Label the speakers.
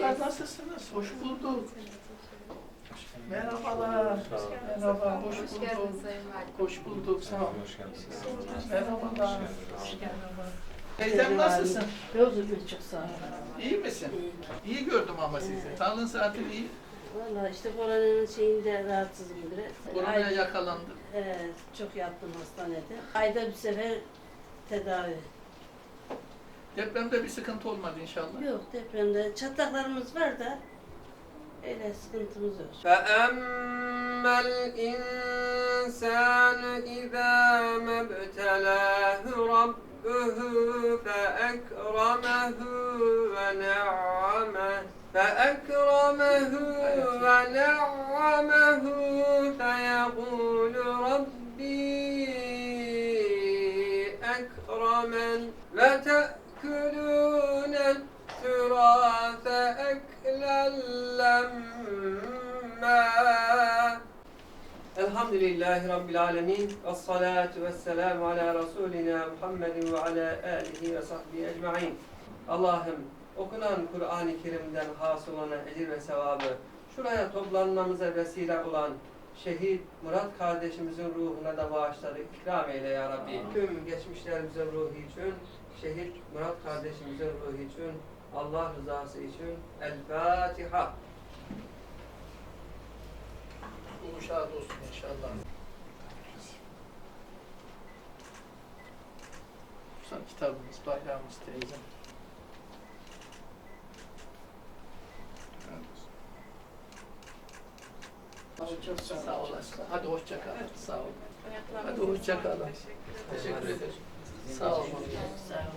Speaker 1: Çocuklar nasılsınız? Hoş bulduk. Merhabalar. Merhaba, hoş
Speaker 2: Hoş
Speaker 1: bulduk.
Speaker 2: geldiniz Sayın Valim.
Speaker 1: Hoş bulduk, sağ olun.
Speaker 3: Hoş geldiniz.
Speaker 1: Merhabalar. Teyzem nasılsın?
Speaker 4: Yolculuk çok sağ olun.
Speaker 1: İyi misin? İyi gördüm ama sizi. Sağlığın saatin iyi.
Speaker 4: Valla işte koronanın şeyinde rahatsızım biraz.
Speaker 1: Koronaya yakalandık.
Speaker 4: Çok yattım hastanede. Ayda bir sefer tedavi.
Speaker 1: Depremde bir sıkıntı olmadı inşallah.
Speaker 4: Yok depremde çatlaklarımız var da öyle sıkıntımız yok.
Speaker 5: فأما الإنسان إذا ما ابتلاه ربه فأكرمه ونعمه فيقول ربي أكرمن وتأكلون التراث أكلا لما Elhamdülillahi Rabbil Alemin ve salatu ve selamu ala Resulina Muhammedin ve ala alihi ve sahbihi ecma'in. Allah'ım okunan Kur'an-ı Kerim'den hasıl olan ecir ve sevabı şuraya toplanmamıza vesile olan şehit Murat kardeşimizin ruhuna da bağışları ikram eyle ya Rabbi. Tüm geçmişlerimizin ruhu için, şehit Murat kardeşimizin ruhu için, Allah rızası için El Fatiha.
Speaker 1: Bu şad olsun inşallah. Son kitabımız, bayrağımız teyzem.
Speaker 4: Çok
Speaker 1: Sağ olasın. Hadi hoşça kalın. Sağ olun. Hadi hoşça kalın. Teşekkür ederim. Sağ olun.
Speaker 4: Sağ olun.